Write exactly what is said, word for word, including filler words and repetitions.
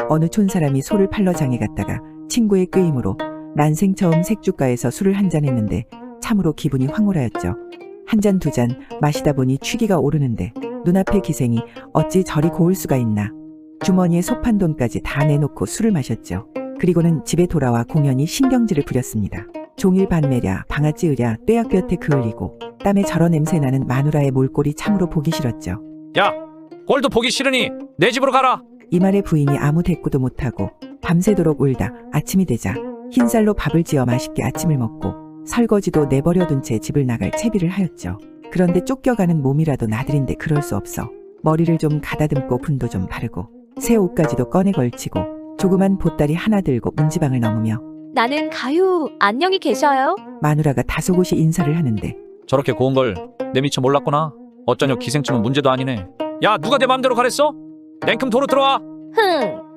어느 촌사람이 소를 팔러 장에 갔다가 친구의 꾀임으로 난생 처음 색주가에서 술을 한잔 했는데 참으로 기분이 황홀하였죠. 한 잔 두 잔 마시다 보니 취기가 오르는데 눈앞의 기생이 어찌 저리 고울 수가 있나. 주머니에 소판 돈까지 다 내놓고 술을 마셨죠. 그리고는 집에 돌아와 공연히 신경질을 부렸습니다. 종일 반매랴 방아 찌으랴 떼약볕에 그을리고 땀에 절어 냄새나는 마누라의 몰골이 참으로 보기 싫었죠. 야, 꼴도 보기 싫으니 내 집으로 가라. 이 말에 부인이 아무 대꾸도 못하고 밤새도록 울다 아침이 되자 흰쌀로 밥을 지어 맛있게 아침을 먹고 설거지도 내버려둔 채 집을 나갈 채비를 하였죠. 그런데 쫓겨가는 몸이라도 나들인데 그럴 수 없어 머리를 좀 가다듬고 분도 좀 바르고 새 옷까지도 꺼내 걸치고 조그만 보따리 하나 들고 문지방을 넘으며 나는 가요. 안녕히 계셔요. 마누라가 다소곳이 인사를 하는데 저렇게 고운 걸 내 미처 몰랐구나. 어쩌냐 기생충은 문제도 아니네. 야, 누가 내 맘대로 가랬어? 냉큼 도로 들어와. 흥.